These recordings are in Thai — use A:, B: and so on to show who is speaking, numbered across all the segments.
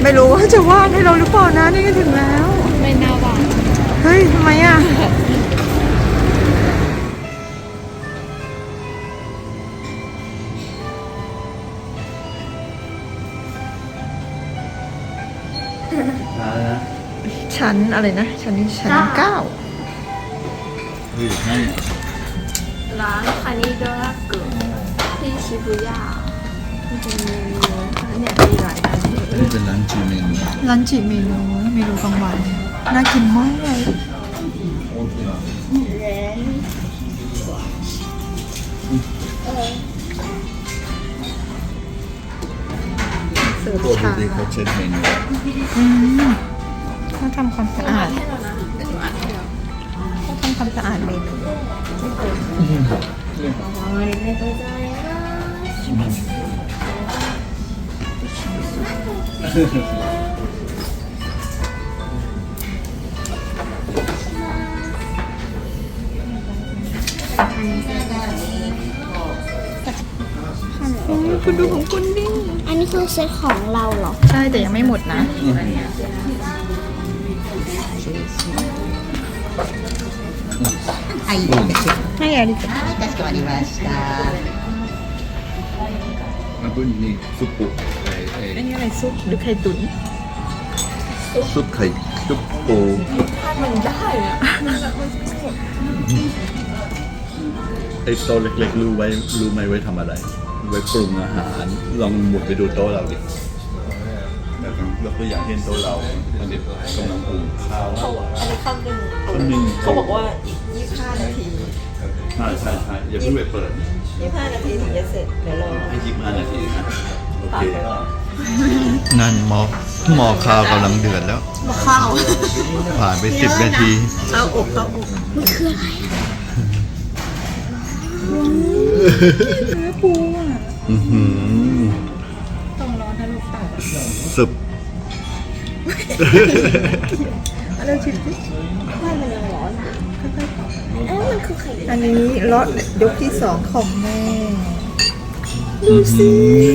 A: ไม่รู้ว่าจะว่างให้เราหรือเปล่านะนี่ก็ถึงแล้ว
B: ไม่น่าว่าง
A: เฮ้ยทำไมอ่ะชั้นอะไรนะชั้น9
B: ร้านคานิโดรากุที่ชิบุย่าเป็นเมนูเนี่ยมีหลายร้าน
C: นี่เป็นร้านจีเมนู
A: เมนูกลางวันน่ากินมากเลยเสิร์ฟชา
C: เขาเช็ดเมนู
A: เขาทำความสะอาดเขาทำความสะอาดเมนูคุณดูของคุณดิ
B: อันนี้คือเซตของเราเหรอ
A: ใช่แต่ยังไม่หมดนะให้อะไรกัน
C: แล้วก็นี่ซุปปุ
A: อันนี้อะไรซุปหรือไข่ตุ๋น
C: ซุปไข่ซุปโก
A: มันได้อะ
C: ไอ้โต๊ะเล็กๆรู้ไหมไว้ทำอะไรไว้ปรุงอาหารลองหมุดไปดูโต๊ะเราดิแล้วก็อย่างเช่นโต๊ะเราอันนี้กำลังปรุงข้าว
A: อันนี้ข้าวนึ่งเขาบอกว่าอีก25 นาที
C: ใช่อย่าเพิ่งไปเปิด
A: 25 นาทีถึงจะเสร็จเดี๋ยวรอ
C: ให้25 นาทีนะโอเคนั่นหม้อข้าวกำลังเดือดแล้ว
A: หม้อข้าว
C: ผ่านไป10 นาที
A: ข้าวอบมันคืออะไรเนื้อปูอ่ะต้องร้อนนะลูกตา
C: สึบ
A: อะไรชิมดิ
B: ไม่มันยังร้อนมันคือไข่
A: อันนี้รสยกที่2ของแม่ดูสิ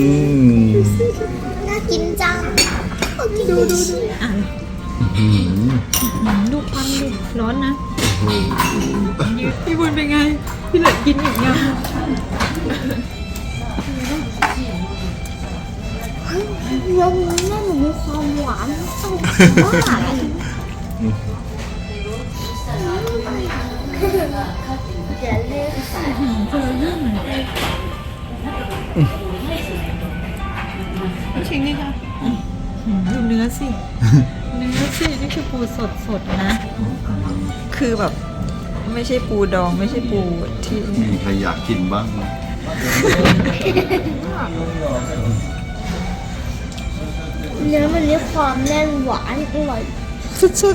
B: น่ากินจังดู
A: ดูควันดูร้อนนะพี่บุญเป็นไงพี่เหลือกินอีกยัง
B: ยังแม่หนูมีความหวานต้องมากอย่าเล่น
A: ชิงนี่ค่ะดูเนื้อสินี่คือปูสดนะคือแบบไม่ใช่ปูดองไม่ใช่ปูที่
C: มีใครอยากกินบ้างไหม
B: เนื้อมันมีความแน่นหวานอร่อย
A: สุด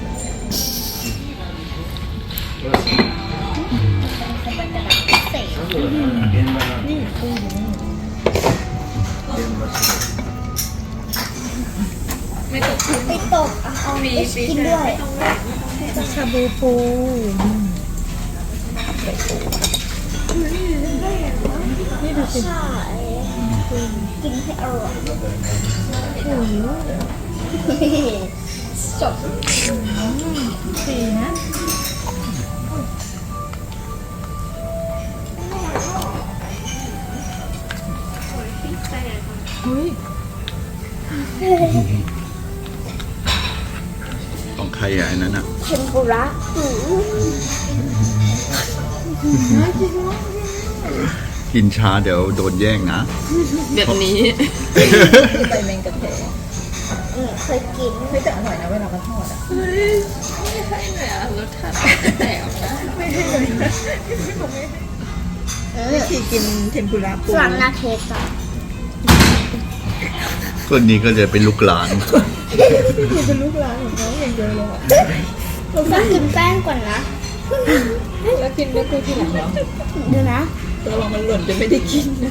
A: นี่ปู
B: ไม่ตกเอาไปกินด้วย
A: ชาบูปูนี่ดูสิ
B: กินให้อร่อยสด
A: ดีนะ
C: ของใครอ่ะอันนั้นอ่ะ
B: เทมปุระ
C: กินช้าเดี๋ยวโดนแย่งนะ
A: แบบนี้ใบแมงกะเทศ
B: เคยกิน
A: ไม่แต่อร่อยนะเวลาเขาทอดอ่ะไม่ให้หน่อยอ่ะรสชาติแตกนะไม่ให้เลยวิธีกินเทมปุระปู
B: สั่งนาเทสอ่ะ
C: คนนี้ก็จะเป็นลูกหลาน
A: เป็นลูกหลานของน้องอย่างเดียวเลย
B: เราต้องกินแป้งก่อนนะ
A: แล้วกินเนื้อปูทีหลังเหรอ
B: เดี๋ยวนะ
A: ตัวเรามันหล่นจะไม่ได้กินนะ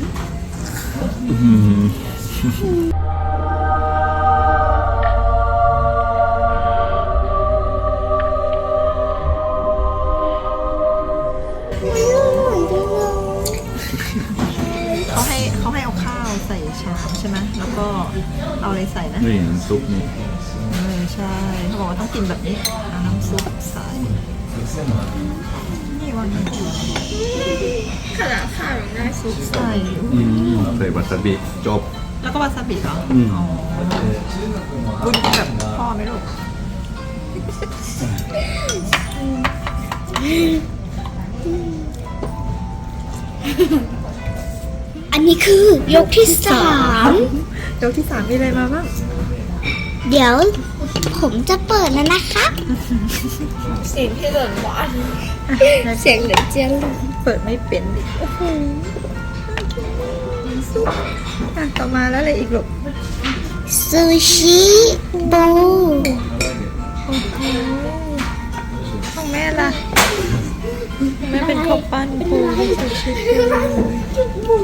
A: เเขาให้เอาข้าวใส่ชามใช่ไหมแล้วก็เอาอะไรใส่นะ
C: นี่น้ำซุปนี่
A: ใช่เขาบอกว่าต้องกินแบบนี้เอาน้ำซุปใส่นี่วันนี้
B: ขนาดข้าวยังได้ซุป
A: ใส่
C: ใส่วาซาบิจบ
A: แล้วก็วาซาบิเหรอ
C: อืม
A: อ๋อบุญกินแบบพ่อไหมลูก
D: อันนี้คือยกที่3
A: ยกที่ 3มีอะไรมาบ้าง
D: เดี๋ยวผมจะเปิดแล้วนะครับ
B: เสียงที่หล่นหวาน
D: เสียงเหลือเจียงลง
A: เปิดไม่เป็นดิโอ้โหซุปต่อมาแล้วอะไรอีกลูก
D: ซูชิบู
A: โอ้โหของแม่ล่ะของแม่เป็นข้าวปั้นปูซูชิปู